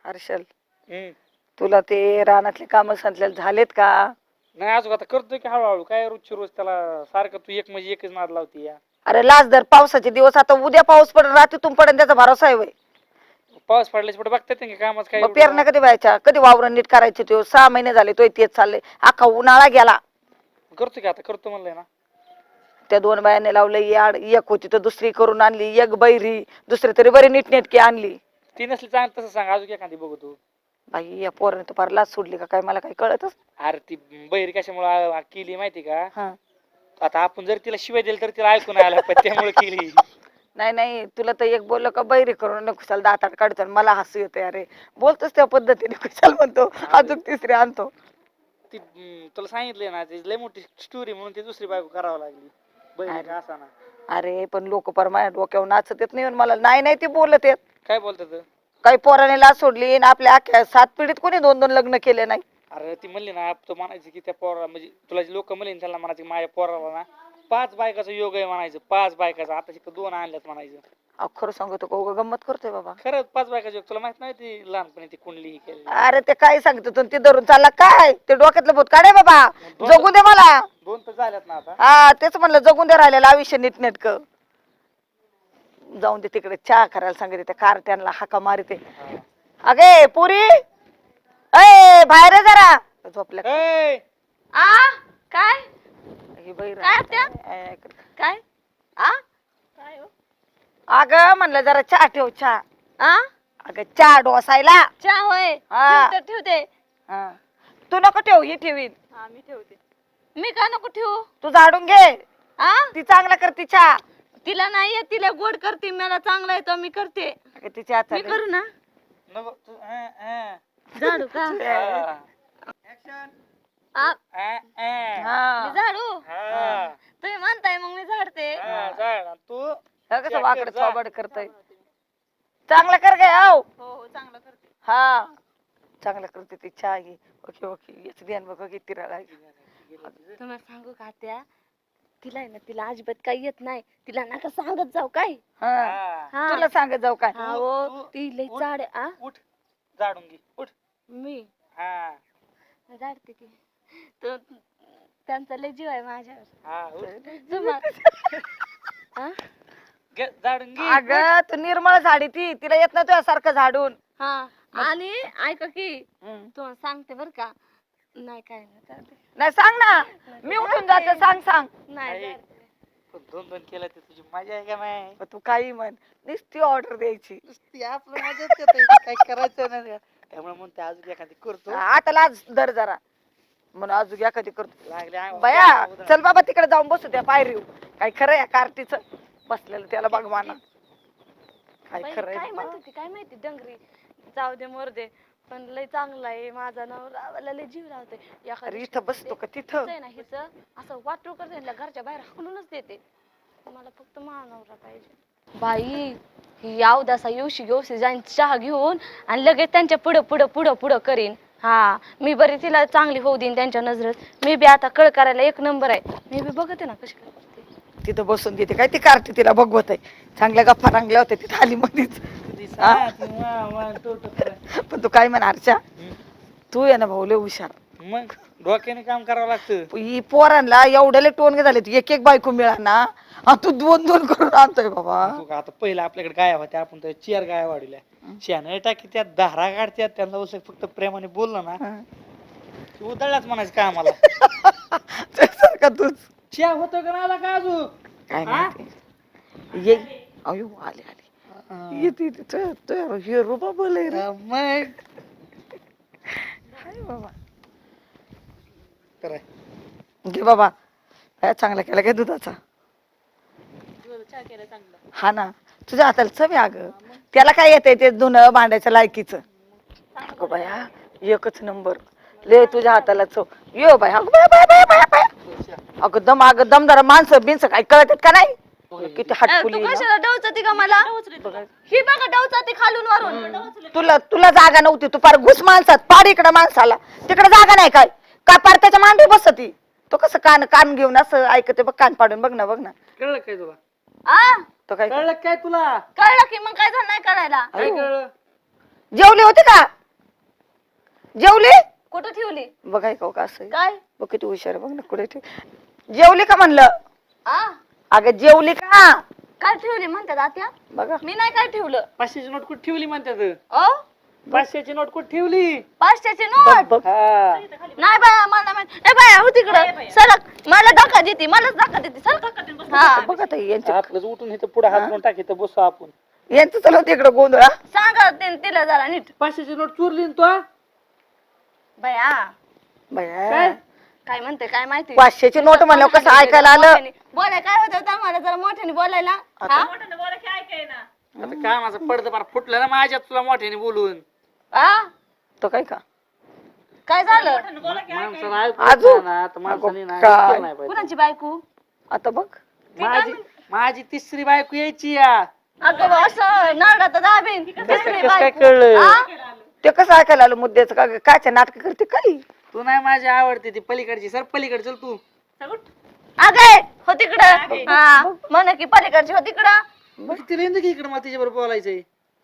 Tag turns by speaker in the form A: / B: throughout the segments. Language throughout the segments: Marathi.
A: हर्षल
B: हम्म.
A: तुला ते रानातले काम सांगितलेले झालेत का?
B: नाही अजून आता करतोय की हळूहळू काय रोजची रोज त्याला सारखं तू एक म्हणजे एकच नाद लावती या.
A: अरे लाज धर, पावसाचे दिवस आता उद्या पाऊस पडेल रात्रीतून पडेल त्याचा भरोसा आहे वय.
B: पाऊस पडल्याच्या पुढे बघतात की कामाच काय
A: मग
B: एवढं
A: पेरण्या कधी व्हायच्या, कधी वावरण नीट करायचे? तो 6 महिने झाले तो तेच चाललंय, अख्खा उन्हाळा गेला.
B: करतो की आता करतो म्हणलंय ना.
A: त्या 2 बायाने लावलं याड, एक होती तर दुसरी करून आणली, एक बैरी दुसरी तरी बरी नीटनेटकी आणली.
B: ती नसली चांग तसं सांग अजून एखादी बघू तू.
A: बाई या पोराने तर फार लाज सोडली का काय मला काही कळतच.
B: अरे ती बहिरी कशामुळे केली माहिती का?
A: हा
B: आता आपण जर तिला शिवाय दिली तर तिला ऐकून आला पण त्यामुळे केली.
A: नाही नाही, तुला तर एक बोललं का बैरी करून कुशाल दातात काढतो, मला हसू येते. अरे बोलतोच त्या पद्धतीने कुशाल म्हणतो, अजून तिसरी आणतो.
B: ती तुला सांगितलंय ना ती लय मोठी स्टोरी म्हणून ती दुसरी बायको करावं लागली. बहिणी का असा ना.
A: अरे पण लोक पर माझ्या डोक्यावर नाचत येत नाही मला. नाही नाही ती बोलत येत.
B: काय बोलतात?
A: काही पोराने लाज सोडली आणि आपल्या अख्ख्या 7 पिढीत कोणी 2-2 लग्न केले नाही.
B: अरे ती म्हणली ना तो म्हणायची की त्या पोरा म्हणजे तुला लोक म्हणले ना त्याला म्हणायचे माझ्या पोराला ना 5 बायकाचा योग आहे म्हणायचं. 5 बायकाचा आता शिकत 2 आणल्यात म्हणायचं.
A: अहो खरं सांगतो का उगा गंमत करतोय बाबा?
B: खरंच 5 बायकाचा योग तुला माहित नाही ती लहानपणी ती कुंडली ही केली.
A: अरे ते काय सांगतो तू, ती धरून चालला काय? ते डोक्यातलं भूत काढे बाबा,
B: दोन
A: जगू दे मला.
B: 2 तर झाल्यात ना आता.
A: हा तेच म्हणलं, जगून दे राहिलेलं आयुष्य नीटनेटक. जाऊन दे तिकडे, चहा करायला सांगते त्या कारट्यांना हाका मारते. अगे पुरी, अय बाहेर ये जरा. झोपल्या
B: ए
C: आ काय
A: ही बहिर
C: काय त्या? काय आ काय हो?
A: अगं म्हणलं जरा चहा ठेव, चहा.
C: आ
A: अगं चहा डोसायला.
C: चहा होय,
A: हा.
C: ठेवते.
A: हा. तू नको ठेव, ही ठेवीन.
C: हा मी ठेवते. मी का नको ठेवू?
A: तू झाडून घे,
C: आ
A: ती चांगला करते चहा.
C: तिला नाही येत, तिला गोड करते, मला चांगला येतो मी करते.
A: अगं ती चहा
C: मी करू ना
B: नको तू
C: झाडू का? आ,
A: हा.
C: मी झाडू
B: हा.
C: तुम्ही म्हणताय मग मी झाडते.
B: तू
A: हे कसं वाकड चौबड करतय. चांगलं कर गे आव.
C: हो हो चांगलं करते.
A: हा चांगलं करते ती चहा घे. ओके ओके, याच ध्यान बघ किती राळा.
C: तुम्हाला सांगू का त्या, तिला आहे ना, तिला अजिबात काही येत नाही. तिला नका सांगत जाऊ काय.
A: हा
C: हा.
A: तुला सांगत जाऊ काय?
C: हा हो, ती लई
B: उठ.
C: चाड आहे. आ
B: उठ झाडून घे उठ.
C: मी
B: हा
C: झाडते की. तो त्यांचा लय जीव आहे माझ्यावर.
B: हा उठ.
C: हा
B: घे, झाडून घे.
A: अगं तू निर्मळ झाडी ती, तिला येत नाही तुझ्यासारखं झाडून.
C: हा आणि ऐका की
A: हम्म.
C: तुम्हाला सांगते बर का. नाही काय नाही चालते.
A: नाही सांग ना, मी उठून जाते. सांग सांग.
C: नाही
B: आई. दोन दोन केलं ते तुझी मजा आहे का नाही?
A: मग तू काही म्हण, नुसती ऑर्डर द्यायची.
B: नुसती आपलं मजाच येते काय करायचं नाही त्यामुळे म्हणते अजून एखादी करतो.
A: आता लाज धर जरा, म्हणून अजून एखादी करतो.
B: लागले अंगावर
A: बया
B: उधळा.
A: चल बाबा तिकडे जाऊन बसू त्या पायरीव. काय खरं या कार्टीचं बसलेलं त्याला बघ माना. काय
C: बाई,
A: खरं
C: काय म्हणत होती काय माहिती डंगरी. जाऊ दे मोर दे, पण लय चांगला आहे माझा नवरा. मला लय जीव लावते.
A: अरे इथं बसतो का तिथं?
C: ना हिचं असं वाटू करते ना, घरच्या बाहेर हाकलूनच देते. मला फक्त माझा नवरा पाहिजे. बाई ही अवदासा येऊशी जाईन चहा घेऊन आणि लगेच त्यांच्या पुढं पुढं पुढं पुढं करीन. हा मी बरी तिला चांगली होऊ देईन त्यांच्या नजरेत. मी बी आता कळ करायला 1 नंबर आहे. मी बी बघते ना कशी करते.
A: तिथं बसून देते काय ती कार्टी, तिला बघवत आहे. चांगल्या गप्पा रंगल्या होत्या तिथं आली मधीच. पण तू काय म्हणा हर्षा, तू आहे ना भाऊ लय हुशार.
B: मग डोक्याने काम करावं लागतं.
A: ही पोरांना एवढ्याले टोनगे झाले, एक एक बायको मिळा ना, तू 2-2 करून आणतोय बाबा.
B: तू का आता पहिलं आपल्याकडे गाया होत्या, आपण तर चेअर गाया वाढल्या. शेण टाकी त्यात धारा काढत्यात, त्यांना उसक फक्त प्रेमाने बोललं ना की उधळलाच म्हणायचं काय आम्हाला.
A: का तूच
B: चहा होतो का नाही का अजून?
A: काय माहिती ये. अयो आले आले येते तिथं हे रुबा बोले रे.
B: मग
A: हाय बाबा.
B: कराय
A: घे बाबा, काय चांगला केला काय दुधाचा.
C: चहा केलं चांगलं.
A: हा ना, तुझ्या हाताला चव आहे अगं. त्याला काय येतंय ते धुणं भांड्याच्या लायकीचं. अगं बाया एकच नंबर. ले तुझ्या हाताला चव. यो बाय अगं बाय बाय बाय बाय. अगं दमदार माणसं बिनसं काय कळतात का नाही? किती हटकुली.
C: तू कशाला डवचती का मला? ही बघा डवचती खालून वरून.
A: तुला जागा नव्हती, तू फार घुस माणसात पाड इकडं माणसाला. तिकडे जागा नाही काय का पार त्याच्या मांडी बसती. तो कसं कान घेऊन असं ऐकते बघ, कान पाडून बघ ना
B: कळलं काय तुला?
C: आ
A: तो काय
B: कळलं काय तुला?
C: कळलं की मग काय झालं नाही करायला.
B: काय कळलं?
A: जेवले होते का? जेवले?
C: कुठं ठेवली?
A: बघाय का असं आहे?
C: काय?
A: बघ किती हुशार आहे, बघ ना कुठे ठेव. जेवली का म्हणलं?
C: आ
A: अगं जेवली का?
C: काय ठेवली म्हणतात आत्या?
A: बघा
C: मी नाही काय ठेवलं.
B: 500ची नोट कुठे ठेवली म्हणतात?
C: ओ
B: 500ची नोट कुठे ठेवली?
C: 500ची
A: बघ
C: नोट
A: बघ.
B: हा
C: नाही बाया मला माहित. ए बाया हो तिकडं सरक. मला धक्का देते, मलाच धक्का देते. सरक. हा
A: बघ आता यांचे
B: आपलंच उठून इथं पुढे हात करून टाकी तर बसू आपण.
A: यांचं चालू तिकडं गोंधळा.
C: सांगा तिला जरा नीट.
B: 500ची नोट चोरली ना तू?
C: बाया
A: बाया
C: काय म्हणते काय माहिती.
A: 500ची नोट म्हणलं कसं ऐकायला आलं.
C: बोलाय काय होतं आम्हाला जरा मोठ्याने बोलायला. हा?
B: आता काय माझं पडतं फार फुटलं ना माझ्यात तुला मोठ्याने बोलून.
C: आ?
A: तो काय का
C: काय झालं?
B: माणसाला ऐकू
A: आजू.
B: येत नाही ना, आता माणसाने ना
A: काय?
B: ऐकलं नाही पाहिजे.
C: कुणाची बायको?
A: आता बघ.
B: माझी तिसरी बायको यायची या.
C: अगं बा, असं नारडात दाबीन. तिसरी
B: कसं काय
C: बायको.
B: कळलं?
C: आ?
A: ते कसं ऐकायला आलं मुद्द्याचं का कायच्या नाटक करते काही?
B: तू नाही माझी आवडते ती पलीकडची. सर पलीकडे चल तू.
C: अगं हो तिकडं. हा म्हण की पलीकडची हो तिकडं.
B: तिला येऊन दे की इकडे मला तिच्याबरोबर बोलायचंय.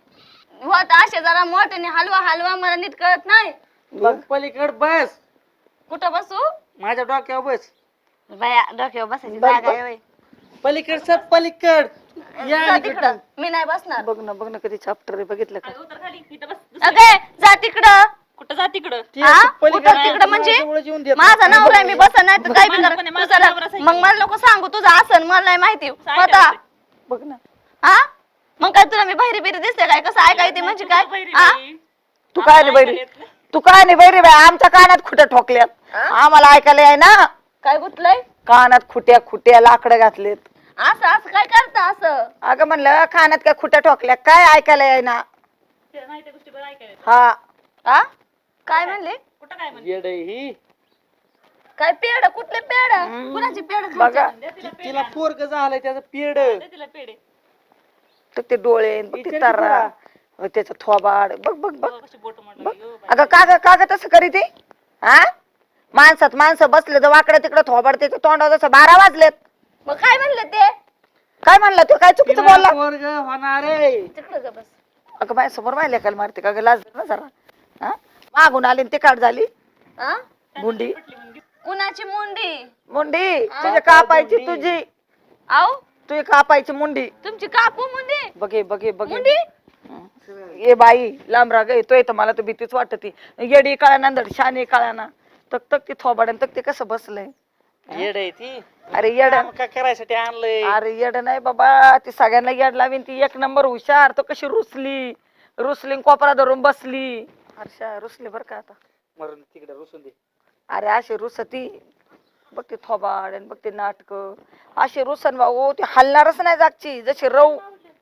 C: होत असे जरा मोठ्याने हलवा मला नीट कळत नाही.
B: तू पलीकड बस.
C: कुठं बसू?
B: माझ्या डोक्यावर बस.
C: बाया डोक्यावर बसायची
A: बघ,
C: जागा
A: बघ.
C: आहे होय.
B: पलीकड सर पलीकड या
C: जा
B: इकडं.
C: तिकडं. मी नाही बसणार.
A: बघ ना कधी चॅप्टर आहे बघितलं का?
C: अगे जा तिकडं.
D: कुठं जा तिकडं?
B: ती
C: हा?
B: अशी पलीकडं
C: कुठं तिकडं म्हणजे?
B: माझ्याजवळच येऊन देत
C: माझा
B: नाही.
C: नवरा आहे, मी बसन नाही तर काय बी
D: माझा
C: कर.
D: पण आहे,
C: तू
D: माझा
C: चला.
D: नवरा आहे.
C: मग मला लोक सांगू तुझं आसन मला नाही माहिती होता.
D: काय
A: बघ ना
C: हा मग काय तुला मी बहिरी बिरी दिसते काय? कसं ऐकायचं म्हणजे काय? हा?
A: तू काय नाही बैरी, तू काय नाही बैरी बाय. आमच्या कानात खुट्या ठोकल्यात, आम्हाला ऐकायला आहे ना.
C: काय गुतलंय?
A: कानात खुट्या लाकडं घातलेत.
C: असं असं काय करता असं?
A: अगं म्हणलं कानात काय खुट्या ठोकल्या काय ऐकायला आहे ना.
D: नाही त्या गोष्टी बरं ऐकायला.
A: हा
C: हा काय म्हणले?
D: कुठं काय म्हणते?
B: येड आहे ही.
C: काय पेड? कुठले पेड? कुणाची पेड?
A: बघा
B: तिला पोरग झालंय त्याचं पेड.
D: दे तिला पेढे.
A: तर ते डोळे बघ, ते
B: विचार की
A: तारा त्याचं थोबाड बघ बघ बघ
D: कशी बोट म्हणलं
A: बघ.
D: यो बाई.
A: अगं का तसं करी ते? हा माणसात माणसं बसले तर वाकडं तिकडं थोबाड त्याच्या तोंडावर जसं 12 वाजलेत.
C: मग काय म्हणले ते?
A: काय म्हणलं तो? काय चुकीचं
B: तिला
A: बोलला?
B: पोरग होणार आहे.
C: तिकडं जा बस.
A: अगं बाय समोर माहिती काल मारते का ग? लाज धर ना जरा. हा मागून आली आणि ते काढ झाली
C: हा
A: मुंडी
C: कुणाची मुंडी?
A: मुंडी तुझी कापायची
B: मुंडी.
A: तुझी
C: आऊ
A: तुझी कापायची मुंडी.
C: तुमची काकू मुंडी?
A: बघे
C: मुंडी?
A: ये बाई लांब राग येतोय तर मला तर भीतीच वाटती. येडी काळा नांदड शानी काळा ना तक ती थोबाड आणि तक ते कसं बसलंय.
B: येड आहे ती.
A: अरे येड,
B: काम का करायसाठी आणलंय?
A: अरे येड नाही बाबा. ती सगळ्यांना येड लावीन. ती एक नंबर हुशार. तो कशी रुसली कोपरा धरून बसली. हर्षा रुसली बर का आता.
B: मरून तिकडे रुसून दे.
A: अरे अशी रुसती बघ ते थोबाड आणि बघ ते नाटक अशी रुसन भाऊ ती हलणारच नाही जागची जशी रव.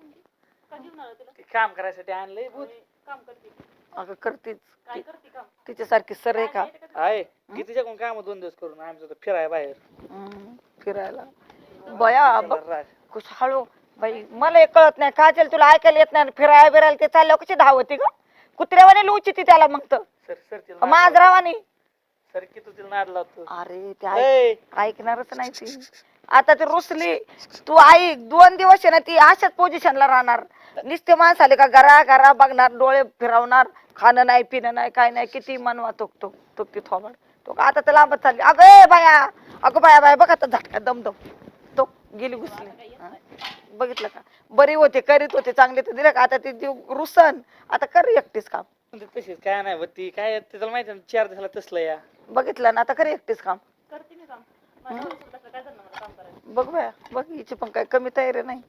B: ते काम करायसाठी आणलंय भूत.
D: काम करते.
A: अगं करतीच
D: काय करते काम?
A: तिच्यासारखी सर आहे का?
B: आहे कितीच्या कोण काम 2 दिवस करून आमचं तर फिराय बाहेर.
A: फिरायला बया बघ
B: राग.
A: कुछ हळू बाई. मला एक कळत नाही काय तुला ऐकायला येत नाही. फिरायला बिरायला ते चालल्यावर कशी धावती ग? कुत्र्यावाने लुची ती त्याला मग तर
B: सर सर तिला नाद लाव.
A: मांजरावानी.
B: सर की तू तिला नाद लावतो.
A: अरे ते
B: ए,
A: ऐकणारच नाही ती. आता ती रुसली. तू ऐक 2 दिवस आहे ना ती अशाच पोझिशनला राहणार. नुसते माणस आले का घरा बघणार डोळे फिरवणार. खाणं नाही पिणं नाही काय नाही. किती मनवा तो ती थोबाड तो का आता तर लांबच चालली. अगं बाया बघ आता झटका दमदम तो गेली घुसली. हा? बघितलं का? बरी होते करीत होते चांगले तर दिलं का? आता ती रुसन आता कर एकटीच काम.
B: तशीच काय नाही होती काय तिला माहिती ना 4 दिवसाला तसलं या.
A: बघितलं ना आता कर एकटीच काम.
D: करते मी काम. माझ्या नवऱ्यासोबत असलं काय झालं मला काम करायचं.
A: बघ बाया बघ हिची पण काय कमी तयारी नाही.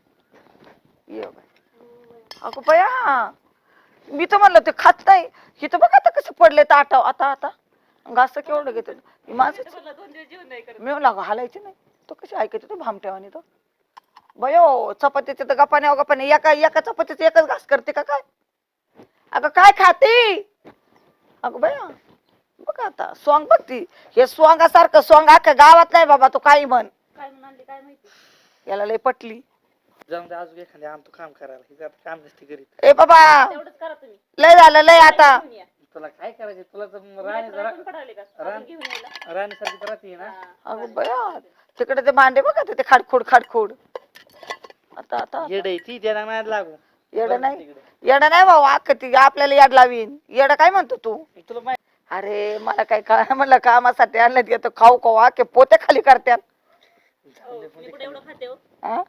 A: ये बाय अगं बया मी तर म्हणलं ते खात नाही. हिथं बघ आता कसं पडले तर आता घास केवढं घेते माझं.
D: बोलला 2 दिवस जेवण नाही करत.
A: मी म्हणलं हालायची नाही तो कशी ऐकायची तो भामट्यावानी तो. बयो चपातीचे तर गपाने एका चपातीचे एकच घास करते का काय? अगं काय खाते? अगं बया बघ आता स्वांग बघती. हे स्वांगासारखं स्वांग अख्ख्या गावात नाही बाबा. तो काही म्हण
D: काय म्हणून आणली काय माहिती.
A: याला लय पटली.
B: जाऊन दे अजून एखाद्या आणतो काम करायला. ही आता काम नसते करीत.
A: ए बाबा
D: तेवढंच करा तुम्ही.
A: लय झालं लय आता.
D: घेऊन या.
B: तुला काय करायचं? तुला तर
D: रात्री पण पडावले का? अजून घेऊन यायला.
B: राणीसारखी तर राहते ना.
A: अगं बया तिकडे ते भांडे बघा ते खाडखोड आता
B: येड आहे ती त्याला नाही लागू.
A: येड नाही. येडा नाही भाऊ अख्ख ती आपल्याला याड लावीन येडा काय म्हणतो तू
B: तुला माहिती
A: अरे मला काय कळलं म्हणलं कामासाठी आणलं येतं खाऊ खाऊ अख्खे पोते खाली करत्यात
D: मी कुठे एवढं खाते हो
A: हा?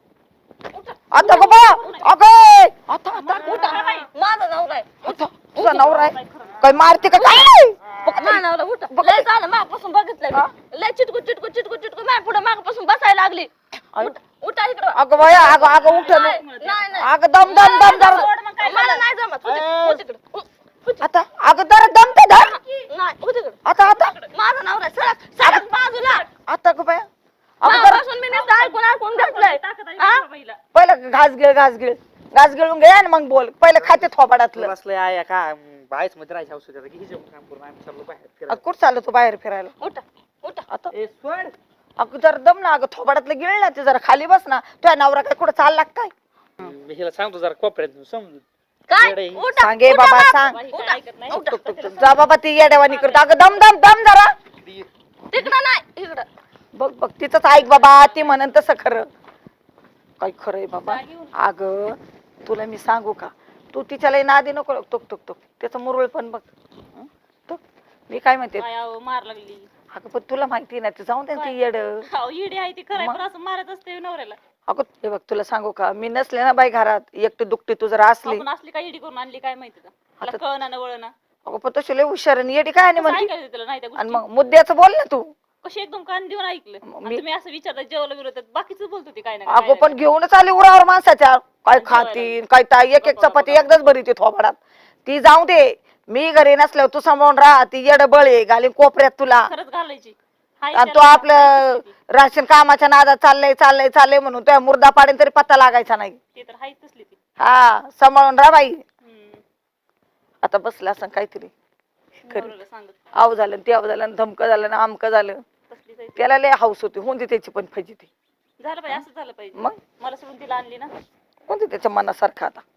A: आता गो बा अगं आता
C: माझा नवरा आहे.
A: आता तुझा नवरा आहे काय मारते का काय
C: माझा नवरा उठ लय झालं मागपासून बघितलंय मी. लय चिटकू चिटकू चिटकू चिटकू माझ्या पुढे मागपासून बसायला लागली उठा इकडं
A: अगं बाया अगं अगं उठ
C: नाही
A: अगं दम दम दम दम
C: मला नाही जमत उठ इकडं.
A: आता अगं जरा दम ते धर
C: नाही उठ इकडं.
A: आता आता
C: माझा नवरा आहे. सडक सडक बाजूला
A: आता गो बाया अगं जरा
C: मागपासून मी नुसतं ऐकून ऐकून घेतलंय
D: ताकद आहे
C: हा?
D: बाईला.
A: पहिलं घास गिळून घे आणि मग बोल पहिलं खाते थोबाडातलं
B: बसलंय आया का बाहेरच मध्ये राहायचं औषध आता किती काम करून आम्ही चाललो बाहेर फिरायला.
A: कुठं चाललं तू बाहेर फिरायला
C: उठा उठा
A: आता
B: ए सोड
A: अगं जरा दम ना अगं थोबाडातलं गिळ ना ते जरा खाली बस ना तुझ्या नवरा काय कुठं चालला का काय
B: मी हिला सांगतो जरा कोपऱ्यात समजून
C: काय
B: येडे.
C: उठा
A: सांगे
C: उठा
A: बाबा
C: मग.
A: सांग
D: बाई काय ऐकत नाही
A: टुक, टुक, टुक. जा बाबा ती येड्यावानी करतो अगं दम दम दम जरा
C: तिकडं नाही इकडं
A: बघ बघ तिचंच ऐक बाबा ती म्हणन तसं खरं काय खरंय बाबा अगं तुला मी सांगू का तू तिच्याला नादी नको टुक टुक टुक त्याचं मुरळ पण बघ हं? टुक. मी काय म्हणते
D: काय अहो, मार लागली
A: अगं पण तुला माहिती ना ते जाऊन दे ना ती येड
D: अहो, येडी आहे ती खरं
A: मग?
D: पण असं मारत असते नवऱ्याला
A: अगं हे बघ तुला सांगू का मी नसले ना बाई घरात एकटी दुकटी तू जर असली
D: आपण असली काय येडी करून आणली काय माहिती का
A: आता-
D: मला कळना ना वळना
A: अगं पण तशी लय हुशार आणि येडी काय नाही म्हणते
D: ऐकायचं तिला नाही त्या
A: आणि
D: गोष्टी
A: मग मुद्द्याचं बोल ना तू
D: कशी एकदम कान देऊन ऐकलं
A: मग
D: आणि तुम्ही असं विचारता जेवलं विरोधात बाकीच बोलत होती काय ना
A: अगो पण घेऊनच आली उरावर माणसाच्या काय खातीन काय ताई एक एक चपाती एकदाच भरी ती थोबाडात ती जाऊ दे मी घरी नसल्यावर तू सांभाळून राहा ती येड बळे घालीन कोपऱ्यात तुला
D: खरंच घालायची हाय
A: आणि तो
D: त्याला
A: आपलं
D: हायच ती.
A: राशन कामाच्या नादात चाललंय चाललंय चाललंय म्हणून तुझ्या मुर्दा पाडेन तरी पत्ता लागायचा नाही
D: ती तर हायच तसली ती
A: हा सांभाळून राहा बाई
D: हम्म.
A: आता बसला असं काहीतरी
D: नवऱ्याला सांगत
A: आव झालं आणि त्याव झालं आणि धमकं झालं आणि आमकं झालं
D: तसलीच आहे ती.
A: त्याला लय हाऊस होती होऊन दे त्याची पण फजिती
D: झालं पाहिजे असं झालं पाहिजे
A: मग
D: मला सोडून तिला आणली ना
A: होऊन दे त्याच्या मनासारखं आता